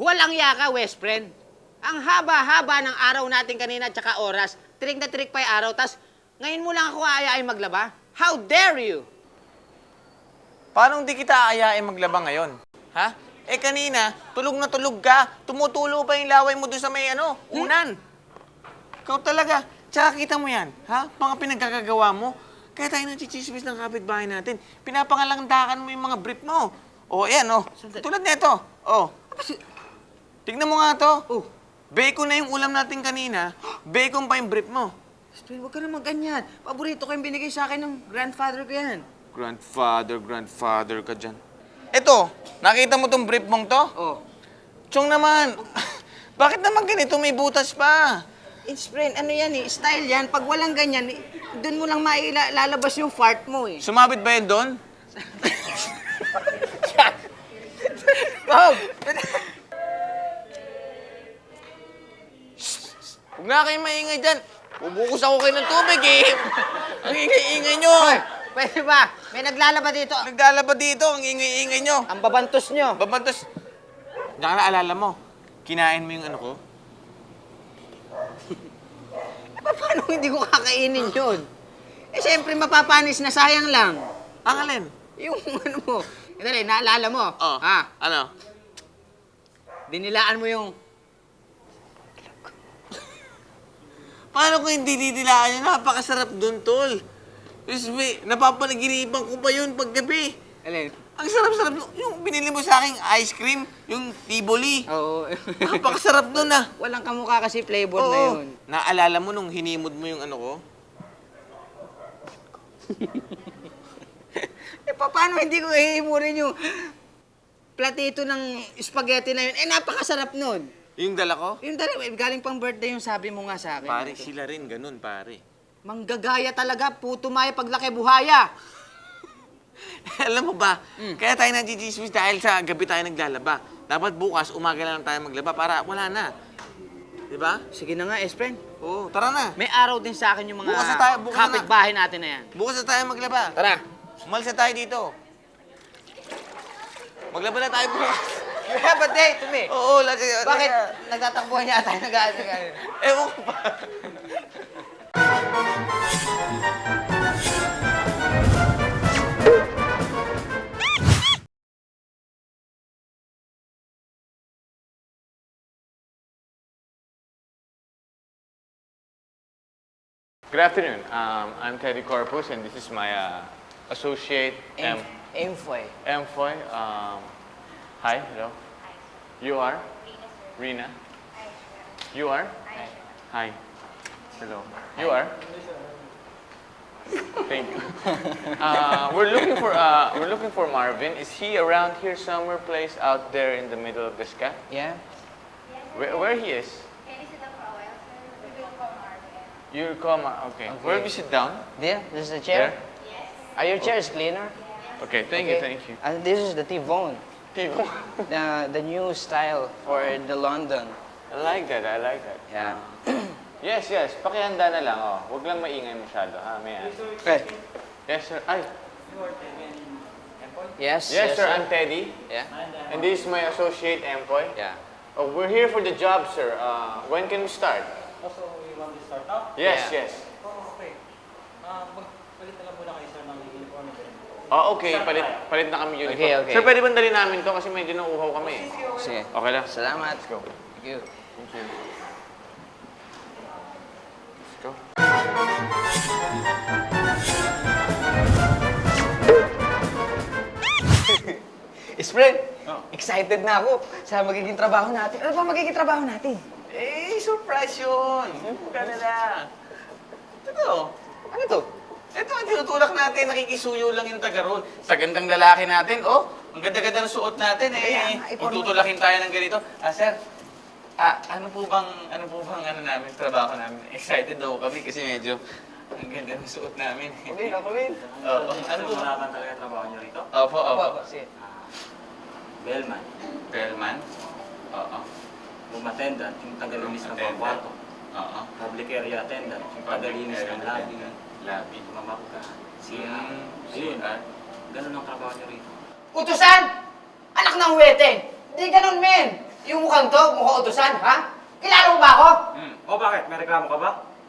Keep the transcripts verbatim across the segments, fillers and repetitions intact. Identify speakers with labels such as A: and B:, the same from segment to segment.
A: Walang yaka, West friend. Ang haba-haba ng araw natin kanina at saka oras. Trick na trick pa yung araw, tas ngayon mo lang ako aayain maglaba? How dare you?
B: Paano hindi kita aayain maglaba ngayon? Ha? Eh kanina, tulog na tulog ka. Tumutulo pa yung laway mo doon sa may ano, unan. Ikaw talaga. Tsaka kita mo yan, ha? Mga pinagkakagawa mo. Kaya tayo nang-chichismis ng kapitbahay natin. Pinapangalandakan mo yung mga brief mo. O, yan, o. Tulad nito. O. Tignan mo nga to.
A: Oh.
B: Bacon na yung ulam natin kanina. Bacon pa yung brief mo.
A: West friend, huwag ka naman ganyan. Paborito ko yung binigay sa akin ng grandfather ko yan.
B: Grandfather, grandfather ka dyan. Eto, nakita mo tong brief mong to?
A: Oh.
B: Chong naman, bakit naman ganito may butas pa?
A: It's friend, ano yan eh, style yan. Pag walang ganyan, eh, doon mo lang mailalabas yung fart mo eh.
B: Sumabit ba yun doon?
A: Bob!
B: Huwag na kayo maingay dyan. Bubukos ako kayo ng tubig eh. Ang ingay-ingay nyo.
A: Hoy, pwede ba? May naglalaba dito.
B: Naglalaba dito, ang ingay-ingay nyo.
A: Ang babantos nyo.
B: Babantos. Diyan ka naalala mo, kinain mo yung ano ko?
A: Eh, paano hindi ko kakainin yun? Eh, siyempre mapapanis na, sayang lang.
B: Ang alin?
A: Yung ano mo. Eh, dali, naalala mo.
B: Oh,
A: Ha?
B: ano?
A: Dinilaan mo yung...
B: Paano ko hindi didilaan yun? Napakasarap dun, tol. Diyos me, napapanaginipan ko pa yun paggabi.
A: Alin?
B: Ang sarap-sarap nun. Yung binili mo sa aking ice cream, yung Tivoli.
A: Oo.
B: Napakasarap nun ah.
A: Walang kamukha kasi flavor na
B: Oo.
A: yun.
B: Naalala mo nung hinimod mo yung ano ko?
A: Eh, pa- paano hindi ko ihimurin yung platito ng spaghetti na yun? Eh, napakasarap nun.
B: Yung dala ko?
A: Yung dali, eh, galing pang birthday yung sabi mo nga sa akin.
B: Pare, sila rin ganun, pare.
A: Manggagaya talaga, puto maya paglaki buhaya.
B: Alam mo ba,
A: Mm.
B: kaya tayo nagchichismis dahil sa gabi tayo naglalaba. Dapat bukas, umaga na lang tayo maglaba para wala na. Di ba?
A: Sige na nga, S-friend.
B: Oo, tara na.
A: May araw din sa akin yung mga
B: Bukas na tayo, bukas na.
A: kapitbahay natin na yan.
B: Bukas na tayo maglaba.
A: Tara.
B: Umalis na tayo dito. Maglaba na tayo bukas.
A: You have a date to me.
B: Oo, lagi.
A: Bakit nagtatakbuhan niya tayo nag-aasagan?
B: Ewan ko pa. Good afternoon. Um, I'm Teddy Corpus, and this is my uh, associate, M.
A: Enfoy.
B: Mfoy. Um, hi, hello. You are? Rina. You are? Hi. Hello. You are? Thank you. Uh, we're looking for uh, we're looking for Marvin. Is he around here somewhere, place out there in the middle of the sky?
A: Yeah?
B: Where, where he is?
C: Can you sit down for a while, sir? We will call Marvin.
B: You call Mar. Okay. Where we sit down?
A: There, this is the chair.
B: There.
C: Yes.
A: Are your chairs cleaner?
B: Okay. Thank you. Thank you.
A: And this is the T-Bone.
B: People.
A: The, the new style for the London.
B: I like that. I like that.
A: Yeah.
B: Yes, yes. Pakihanda na lang. Oh. Huwag lang maingay masyado. Ha, may
A: Okay.
B: Yes, sir. Ay.
A: Yes,
B: Yes, sir. I'm Teddy.
A: Yeah?
B: And this is my associate, Empoy.
A: Yeah.
B: Oh, we're here for the job, sir. Uh, when can we start?
D: Also, we want to start now?
B: Yes,
A: Yeah.
B: yes.
D: Oh, okay. Ah, magpalit na lang muna kayo, sir, ng uniform and then.
B: Oh, okay. Palit, palit na kami uniform.
A: Okay, okay.
B: Sir, pwede bang dali namin to kasi medyo nauuhaw kami. eh.
A: Sige.
B: Okay lang.
A: Salamat.
B: Let's go.
A: Thank you.
B: Thank you. Let's go.
A: Friend,
B: Oh.
A: excited na ako sa magiging trabaho natin. Ano ba magiging trabaho natin?
B: Eh, surprise yun. Huwag ka na lang. Ito.
A: Ano to?
B: Ito ang tinutulak natin. Nakikisuyo lang yung taga roon. Sa gandang lalaki natin, oh. Ang ganda-ganda ng suot natin, eh.
A: Kaya nga, ipon-
B: Tutulakin tayo ng ganito. Ah, sir. Ah, ano po bang, ano po bang, ano namin, trabaho namin? Excited daw kami kasi medyo ang ganda ng suot namin.
A: Kulin, ako rin.
B: Oo. Ano po?
D: Malaman talaga trabaho niyo rito?
B: Opo, opo.
A: Sige.
D: Bellman,
B: Bellman? Oo.
D: room attendant, yung tagalinis ng mga
B: Attendant.
D: kwarto.
B: Oo.
D: Public area attendant, yung tagalinis ng lobby.
B: Labi.
D: Mamaka, C R.
B: Mm,
D: Ayun,
B: C R.
D: ganun ang trabaho niyo rito.
A: Utusan! Anak ng wete! Hindi ganun, men! Yung mukhang to, mukhang utusan, ha? Kilala mo ba ako?
D: Hmm. O bakit? May reklamo ka ba?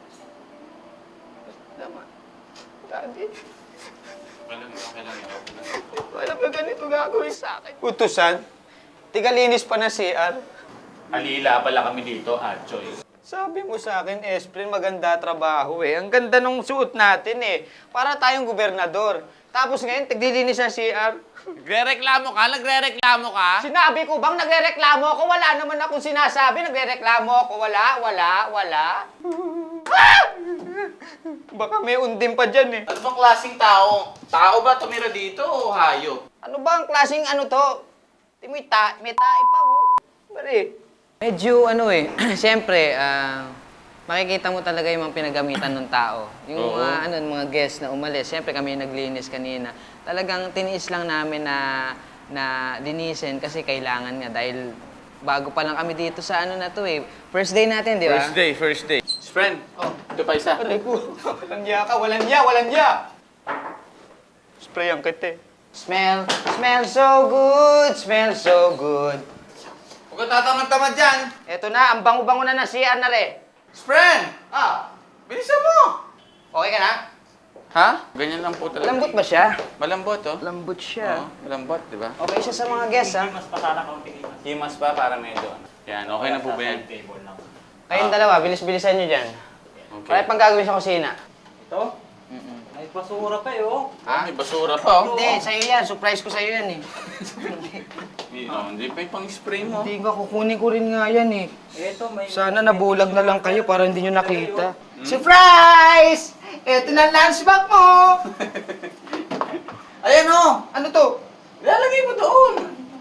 A: Tama. Daddy,
B: Alam mo, kailan yun.
A: alam mo ganito gagawin sa akin. Utusan? Tigalinis pa na C R.
B: Alila pala kami dito, Atchoy.
A: Sabi mo sa akin, Esprin, maganda trabaho eh. Ang ganda nung suot natin eh. Para tayong gobernador. Tapos ngayon, tiglilinis ng C R.
B: Nagre-reklamo ka? Nagre-reklamo ka?
A: Sinabi ko bang nagre-reklamo ako? Wala naman akong sinasabi. Nagre-reklamo ako. Wala, wala, wala. Ah! Baka may undim pa dyan eh.
B: Ano bang klaseng tao? Tao ba tumira dito o hayop?
A: Ano ba ang klaseng ano to? Di mo ita, may tae pa mo. Bari. Medyo ano eh, siyempre, ah, makikita mo talaga yung mga pinagamitan ng tao. Yung
B: Oo.
A: mga, ano, mga guests na umalis, siyempre kami naglinis kanina. Talagang tiniis lang namin na, na linisin kasi kailangan nga dahil bago pa lang kami dito sa ano na to eh. First day natin, di ba?
B: First day, first day. Friend, oh. Ito pa isa.
A: Aray ko, walang niya ka, walang niya, walang niya! Spray ang kete. Smell, smell so good, smell so good.
B: Huwag ka tatamad-tamad dyan.
A: Eto na, ang bango-bango na ng C R na re.
B: Friend,
A: Ah,
B: bilisan mo.
A: okay ka na?
B: Ha? Ganyan lang po talaga.
A: Lambot ba siya?
B: Malambot, oh.
A: Lambot
B: Oo,
A: siya.
B: malambot, di ba?
A: Okay siya sa mga guests, ha?
D: Mas pasana kaunting imas.
B: Himas pa para medyo. ano. Yan, okay na po ba yan?
D: Sa table lang.
A: Kayong dalawa, bilis-bilisan nyo dyan.
B: Okay.
A: Kaya pang gagawin sa kusina.
D: Ito? May basura pa eh, oh.
B: Ah, may basura pa, oh.
A: Hindi, sa'yo yan. Surprise ko sa'yo yan, eh.
B: Hindi, oh, hindi pa yung pang-spray mo.
A: Hindi nga, kukunin ko rin nga yan, eh.
D: Ito, may...
A: Sana nabulag na lang kayo para hindi nyo nakita. Surprise! Ito na lunchbox mo!
B: Ayan, oh.
A: Ano to?
B: Lalagay mo doon.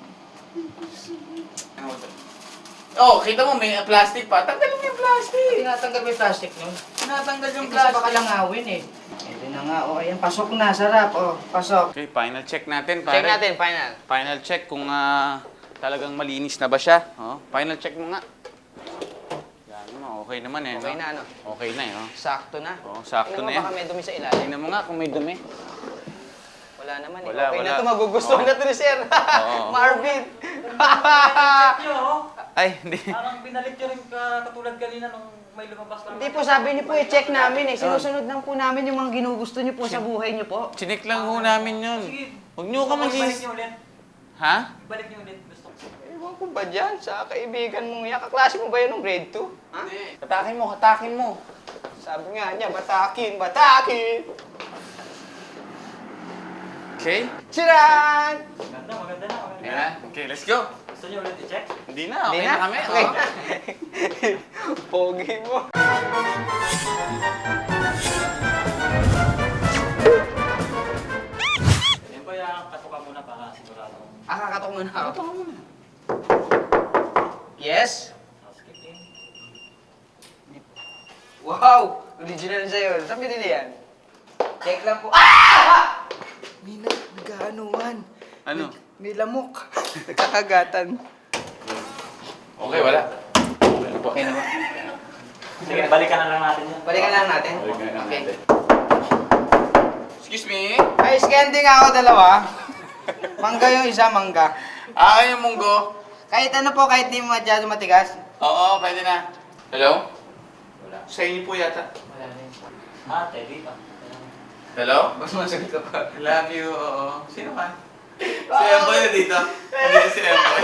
B: Oh, kita mo, may plastic pa. Tanggalin mo yung plastic.
A: Tinatanggal mo yung plastic nyo.
B: Tinatanggal yung
A: Kasi baka
B: plastic.
A: langawin, eh. Ito na nga, oh. Ayan, pasok na. Sarap, oh. Pasok.
B: Okay, final check natin, pare.
A: Check natin, final.
B: Final check kung ah, talagang malinis na ba siya. Oh, final check mo nga. Yan mo, okay naman eh.
A: Okay
B: no?
A: na, ano?
B: Okay na eh. Oh.
A: Sakto na.
B: Oh, sakto
A: Tingnan mo,
B: na yan.
A: baka may dumi sa ilalim.
B: Tingnan mo nga kung may dumi.
A: Wala naman, eh.
B: Wala,
A: okay
B: wala.
A: na to, magugustuhan
B: Oo.
A: na to ni Sir.
B: Oo.
A: Marvin.
D: Check nyo, oh.
B: Ay, hindi.
D: Parang binalik nyo rin ka, katulad kanina nung may lumabas lang.
A: Hindi po, sabi niyo po, i-check namin eh. Sinusunod lang po namin yung mga ginugusto niyo po sa buhay niyo po.
B: Chinik lang ho namin yun.
D: Sige.
B: Huwag niyo ka
D: Ibalik
B: magsis...
D: nyo ulit.
B: Ha?
D: Ibalik nyo ulit. Gusto ko.
A: Ewan ko ba dyan? Sa kaibigan mong yan. Kaklase mo ba yun ng grade two? Ha?
B: Katakin mo, katakin mo.
A: Sabi nga niya, batakin, batakin!
B: Okay?
A: Siran!
D: Maganda, maganda na, maganda
B: Yan
D: na.
B: na. Okay, let's go.
D: Gusto nyo ulit i-check?
B: Hindi na, okay
A: Hindi
B: na, kami.
A: Okay
B: oh.
A: na. Pogi mo.
D: Yan ba yung katuka muna para sigurado kung
A: Ah, kakatok muna ako. Kakatok muna. Yes?
D: housekeeping?
A: Wow! Original sa'yo. Saan binili yan? Check lang po. Ah! May na, nag-aanuhan.
B: Ano?
A: May lamok. Nagkakagatan.
B: Okay, wala.
A: Okay naman.
D: Sige, balikan na lang natin yan.
A: Balikan lang natin.
B: Balikan lang
A: Okay.
B: natin. Excuse me?
A: Ay, scanning ako dalawa. Mangga yung isa, mangga.
B: Ah, yung munggo.
A: Kahit ano po, kahit di masyado matigas.
B: Oo, pwede na. Hello?
D: Wala.
B: Sa inyo po yata.
A: Wala rin.
D: Ah, teddy pa.
B: Hello?
A: Mas masagot ka pa.
B: Love you, oo. Sino ka? Si Emboy na dito. Hindi si Emboy.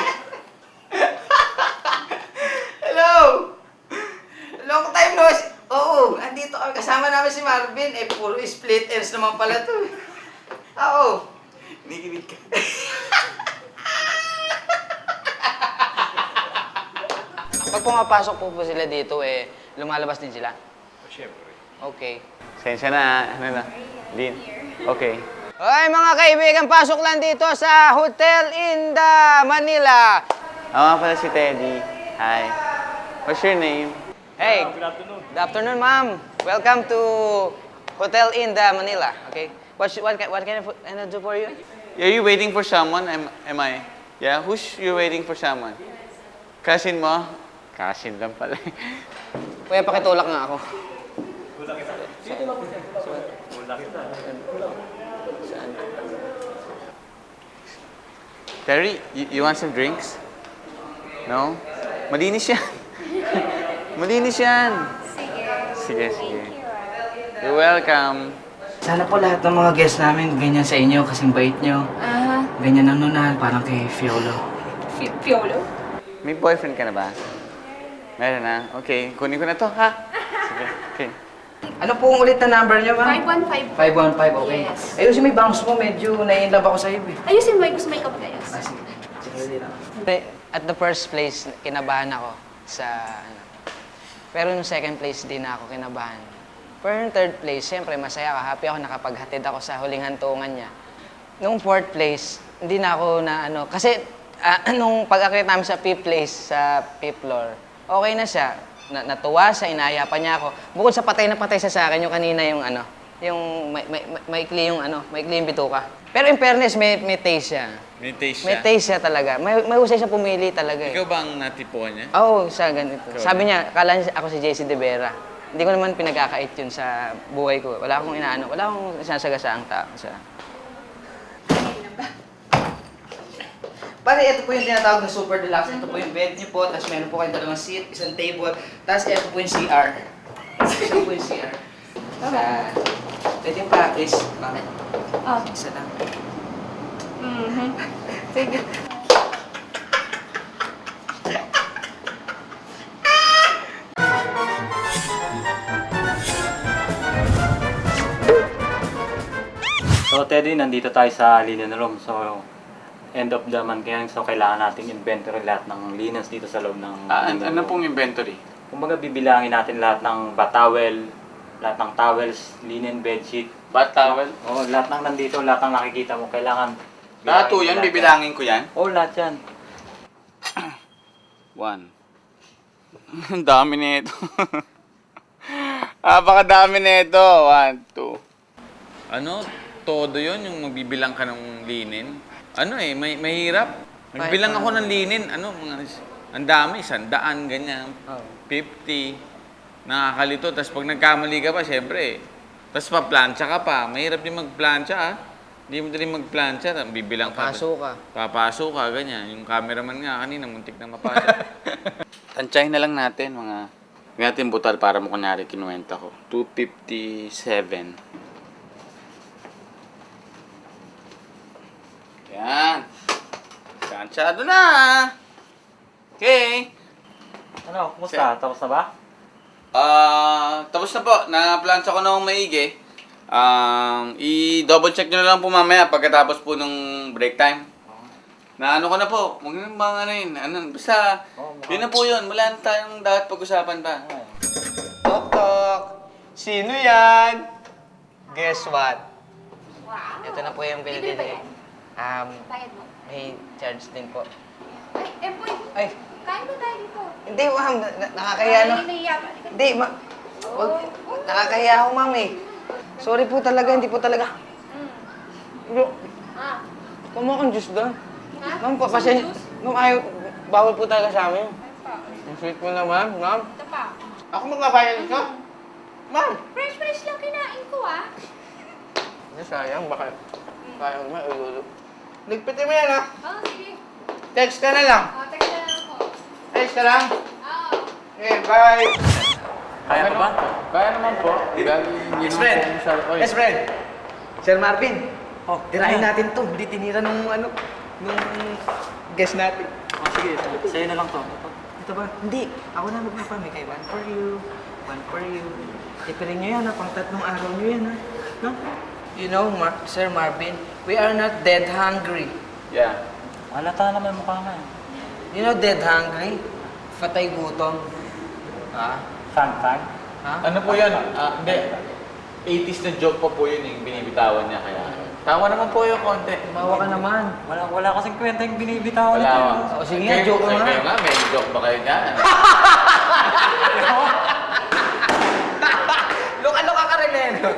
A: Hello! Long time no see. Oo, andito kami. Kasama namin si Marvin. Eh, puro split ends naman pala to. Oo.
B: Nikinig ka.
A: Pag pumapasok po po sila dito, eh, lumalabas din sila.
B: Siyempre.
A: Okay.
B: Sensya na, ano na. Lin. Okay.
A: Hoy mga kaibigan, pasok lang dito sa Hotel Inda, Manila.
B: Ako nga pala si Teddy. Hi. What's your name?
A: Hey,
D: Good afternoon.
A: good afternoon, ma'am. Welcome to Hotel Inda, Manila. Okay. What sh- what, ca- what can I, put- can I do for you?
B: Are you waiting for someone? Am, am I? Yeah? Who's you waiting for someone? Cousin mo? Cousin lang pala.
A: Kuya, pakitulak nga ako.
D: Kulang kita. Kulang kita.
B: Terry, you, you want some drinks? No? Malinis yan. Malinis yan.
C: Sige.
B: Sige, sige.
C: Thank you, ah.
B: You're welcome.
A: Sana po lahat ng mga guests namin ganyan sa inyo, kasing bait nyo.
C: Ah,
A: Ganyan ang nunahan, parang kay Fiolo.
C: Fi- Piolo?
B: May boyfriend ka na ba? Meron na? Okay, kunin ko na to, ha? Sige, okay.
A: Ano po ulit na number niyo, ma'am?
C: five one five.
A: five one five, okay.
C: Yes.
A: Ayusin mo yung bangs mo, medyo nai-inlove ako sa'yo eh.
C: Ayusin mo, gusto may kapag ayos.
A: Ah, sige. Sige, lang. At the first place, kinabahan ako sa ano. Pero nung second place, di na ako kinabahan. Pero nung third place, siyempre masaya ako. Happy ako nakapaghatid ako sa huling hantungan niya. Nung fourth place, hindi na ako na ano. Kasi ah, nung pag-akit namin sa fifth place, sa fifth floor, okay na siya. Na, natuwa siya, inaya pa niya ako. Bukod sa patay na patay siya sa akin, yung kanina yung ano, yung may, may, may, maikli yung ano, maikli yung bituka. Pero in fairness, may, may taste siya.
B: May taste
A: May taste siya talaga. May, may usay siya pumili talaga eh.
B: Ikaw ba ang natipuan niya?
A: Oo, siya ganito.
B: Ikaw
A: Sabi niya, kala niya ako si J C De Vera. Hindi ko naman pinagkakait yun sa buhay ko. Wala akong inaano, wala akong sinasagasaang tao sa... Pare, ito po yung tinatawag na super deluxe. Ito po yung bed niyo po, tapos meron po kayong dalawang seat, isang table, tapos ito po yung C R. Ito po yung C R. Sa... Pwede yung practice, ma'am.
C: Oh.
A: Isa lang.
C: Mhm. Sige.
D: So, Teddy, nandito tayo sa linen room. So, end of the month ngayon. So, kailangan nating inventory lahat ng linens dito sa loob ng
B: Ah, an-
D: linen
B: ano
D: room.
B: pong inventory?
D: Kumbaga, bibilangin natin lahat ng batawel, lahat ng towels, linen bedsheet.
B: Bath towel?
D: Oo, lahat ng nandito, lahat ng nakikita mo, kailangan...
B: Lahat po
D: bilangin
B: yan,
D: lahat
B: bibilangin ko yan.
D: Oo, lahat yan.
B: One. Ang dami nito. Napakadami nito. One, two. Ano? Todo yon yung magbibilang ka ng linin? Ano eh, may mahirap. Nagbilang ako ng linin, ano, mga, ang dami, sandaan, ganyan. fifty. Nakakalito. Tapos pag nagkamali ka pa, syempre, tapos pa-plancha ka pa. Mahirap din mag-plancha, ah. Hindi mo dali mag-plancha, bibilang ka.
A: Paso ka.
B: Papasok ka, ganyan. Yung cameraman nga kanina, muntik na mapasok. Tansyahin na lang natin, mga... Ngayon natin butal para mo kunyari kinuwenta ko. two fifty-seven. Yan. Tansyado na. Okay.
D: Ano, kumusta? Tapos na ba?
B: Ah, tapos na po. Na-plancha ko na ng maigi. Um, i-double check nyo na lang po mamaya pagkatapos po ng break time. Na ano ko na po, huwag nyo bang ano yun, ano, basta, yun na po yun, wala na tayong dapat pag-usapan pa.
A: Tok, tok. Sino yan? Guess what?
C: Wow.
A: Ito na po yung bill
C: Libre ba
A: din.
C: yan?
A: Um,
C: Bayad mo.
A: may charge din po.
C: Ay, Empoy,
A: Ay,
C: kain ba tayo dito?
A: hindi ma'am, na- na- nakakahiya no?
C: Ay, nahiya ba? Halika.
A: Hindi, ma... Wag, nakakahiya ako ma'am eh. Sorry po talaga, hindi po talaga. Bro,
C: Ah,
A: kumuha kang juice doon.
C: ha?
A: Ma'am, papasya. Ma'am, ayaw, bawal po talaga sa amin. Ang sweet mo naman, ma'am.
C: Ito pa.
A: Ako magbabayad ka? Ma'am!
C: Fresh, fresh lang kinain ko, ah.
A: Hindi, sayang, baka kaya mo maululo. Ligpitin mo yan ha.
C: Oh, sige.
A: Text ka na lang.
C: Oh, text na lang ako.
A: Text ka lang.
C: Oo.
A: Okay, bye.
D: Kaya ka ba?
B: Kaya naman po.
A: Best friend. Best friend. Sir Marvin.
D: Oh,
A: Tirahin natin to. Hindi tinira nung ano, nung guest natin.
D: Oh, sige, sa'yo na lang to. Ito.
A: Ito ba? Hindi. Ako na magpapamigay. One for you. One for you. Tipirin nyo yan ha. Pang tatlong araw nyo yan ha. No? You know, Mar- Sir Marvin, we are not dead hungry.
B: Yeah.
D: Halata naman mukha nga. eh.
A: You know dead hungry? Fatay gutom. Ha?
D: Fun fact.
A: Ha?
B: Ano po yan? Ah, hindi. eighties na joke pa po yun yung binibitawan niya kaya. Tama naman po yung konti.
A: Tumawa ka naman.
D: Wala, wala kasing kwenta yung binibitawan
B: Wala.
D: nito.
A: O, sige nga, joke nga.
B: Kayo nga, may joke ba kayo dyan?
A: Loka-loka ka rin eh. no?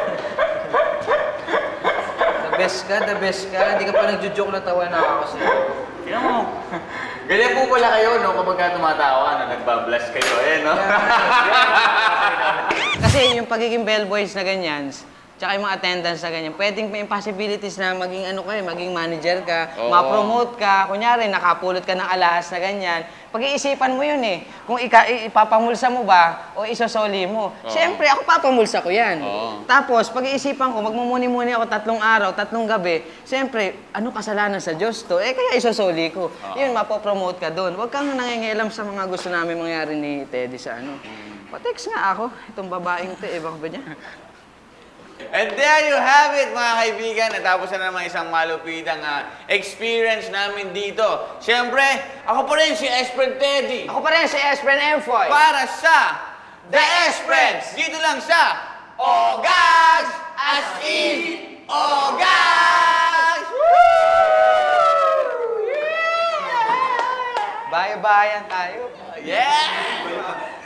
A: The best ka, the best ka. Hindi ka pa nagjo-joke na tawa na ako sa'yo.
D: Tingnan mo.
B: Ganyan po pala kayo, no? Kapag ka tumatawa, na nagbablush kayo, eh, no?
A: Kasi yung pagiging bellboys na ganyan, tsaka yung mga attendance na ganyan, pwedeng may possibilities na maging ano ka eh, maging manager ka,
B: Oo.
A: ma-promote ka, kunyari nakapulot ka ng alahas na ganyan. Pag-iisipan mo yun eh, kung ika, ipapamulsa mo ba o isosoli mo. Siyempre, ako papamulsa ko yan.
B: Oo.
A: Tapos, pag-iisipan ko, magmumuni-muni ako tatlong araw, tatlong gabi, siyempre, ano kasalanan sa Diyos to? Eh, kaya isosoli ko. Yun, mapopromote ka doon. Huwag kang nangingialam sa mga gusto namin mangyari ni Teddy sa ano. Pa-text nga ako, itong babaeng to, eh, baka ba niya?
B: And there you have it, mga kaibigan. Natapos na naman isang malupitang ah, experience namin dito. Siyempre, ako pa rin si Espren Teddy.
A: Ako pa rin si Espren Emfoy.
B: Para sa The Espreds. Dito lang sa Ogags! As in, Ogags!
A: Bye-bye tayo.
B: Yeah!